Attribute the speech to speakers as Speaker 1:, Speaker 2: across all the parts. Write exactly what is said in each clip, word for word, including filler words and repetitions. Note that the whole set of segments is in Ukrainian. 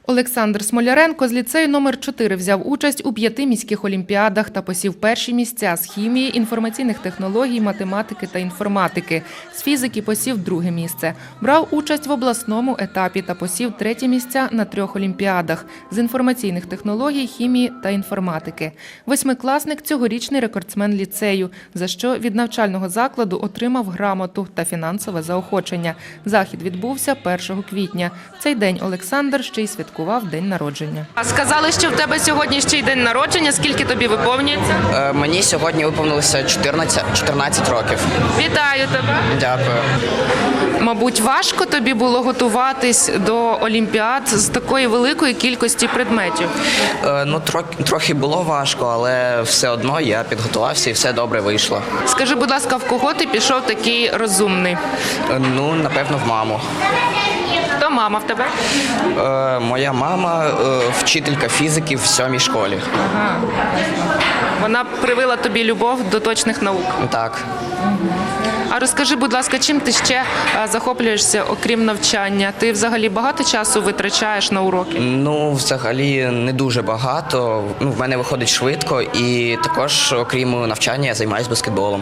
Speaker 1: Олександр Смоляренко з ліцею номер чотири взяв участь у п'яти міських олімпіадах та посів перші місця з хімії, інформаційних технологій, математики та інформатики. З фізики посів друге місце. Брав участь в обласному етапі та посів третє місця на трьох олімпіадах з інформаційних технологій, хімії та інформатики. Восьмикласник – цьогорічний рекордсмен ліцею, за що від навчального закладу отримав грамоту та фінансове заохочення. Захід відбувся першого квітня. В цей день Олександр ще й святкував день народження.
Speaker 2: А сказали, що в тебе сьогодні ще й день народження. Скільки тобі виповнюється?
Speaker 3: Е, мені сьогодні виповнилося чотирнадцять, чотирнадцять років.
Speaker 2: Вітаю тебе!
Speaker 3: Дякую.
Speaker 2: Мабуть, важко тобі було готуватись до олімпіад з такої великої кількості предметів?
Speaker 3: Е, ну, трохи, трохи було важко, але все одно я підготувався і все добре вийшло.
Speaker 2: Скажи, будь ласка, в кого ти пішов такий розумний?
Speaker 3: Е, ну, напевно, в маму.
Speaker 2: Хто мама в тебе?
Speaker 3: Е, моя мама е, вчителька фізики в сьомій школі.
Speaker 2: Ага. Вона привила тобі любов до точних наук.
Speaker 3: Так.
Speaker 2: А розкажи, будь ласка, чим ти ще захоплюєшся, окрім навчання? Ти взагалі багато часу витрачаєш на уроки?
Speaker 3: Ну, взагалі, не дуже багато. Ну, в мене виходить швидко і також, окрім навчання, я займаюся баскетболом.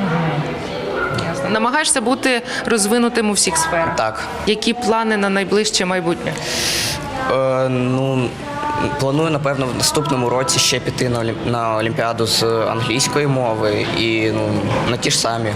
Speaker 2: Ясно. Намагаєшся бути розвинутим у всіх сферах?
Speaker 3: Так.
Speaker 2: Які плани на найближче майбутнє?
Speaker 3: Е, ну, планую, напевно, в наступному році ще піти на, олімп... на олімпіаду з англійської мови і ну, на ті ж самі.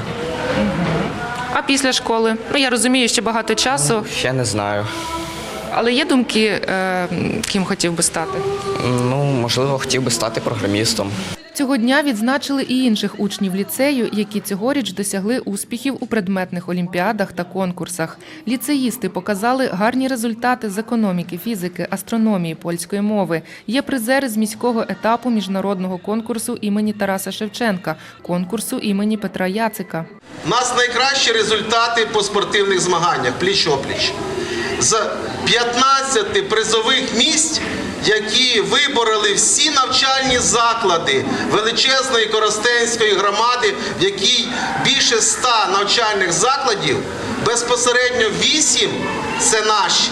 Speaker 2: А після школи? Ну, я розумію, ще багато часу.
Speaker 3: Ще не знаю.
Speaker 2: Але є думки, е, ким хотів би стати?
Speaker 3: Ну, можливо, хотів би стати програмістом.
Speaker 1: Цього дня відзначили і інших учнів ліцею, які цьогоріч досягли успіхів у предметних олімпіадах та конкурсах. Ліцеїсти показали гарні результати з економіки, фізики, астрономії, польської мови. Є призери з міського етапу міжнародного конкурсу імені Тараса Шевченка, конкурсу імені Петра Яцика.
Speaker 4: У нас найкращі результати по спортивних змаганнях, пліч-опліч. З п'ятнадцяти призових місць, які вибороли всі навчальні заклади величезної Коростенської громади, в якій більше ста навчальних закладів, безпосередньо вісім – це наші.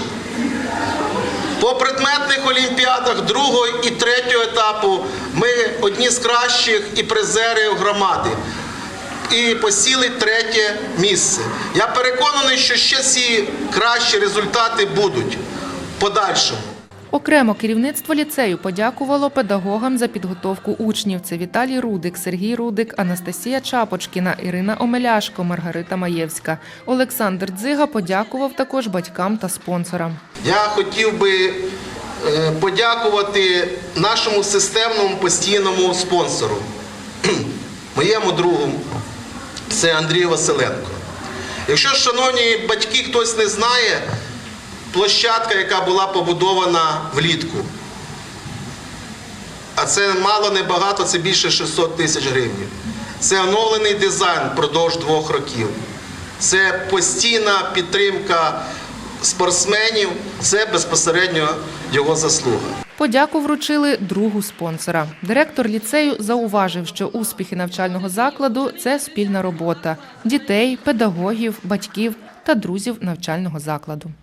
Speaker 4: По предметних олімпіадах другого і третього етапу ми одні з кращих і призерів громади. І посіли третє місце. Я переконаний, що ще ці кращі результати будуть в подальшому.
Speaker 1: Окремо керівництво ліцею подякувало педагогам за підготовку учнів. Це Віталій Рудик, Сергій Рудик, Анастасія Чапочкіна, Ірина Омеляшко, Маргарита Маєвська. Олександр Дзига подякував також батькам та спонсорам.
Speaker 4: Я хотів би подякувати нашому системному постійному спонсору, моєму другу, це Андрій Василенко. Якщо, шановні батьки, хтось не знає, площадка, яка була побудована влітку, а це мало не багато, це більше шістсот тисяч гривень. Це оновлений дизайн впродовж двох років. Це постійна підтримка спортсменів, це безпосередньо його заслуга.
Speaker 1: Подяку вручили другу спонсора. Директор ліцею зауважив, що успіхи навчального закладу – це спільна робота дітей, педагогів, батьків та друзів навчального закладу.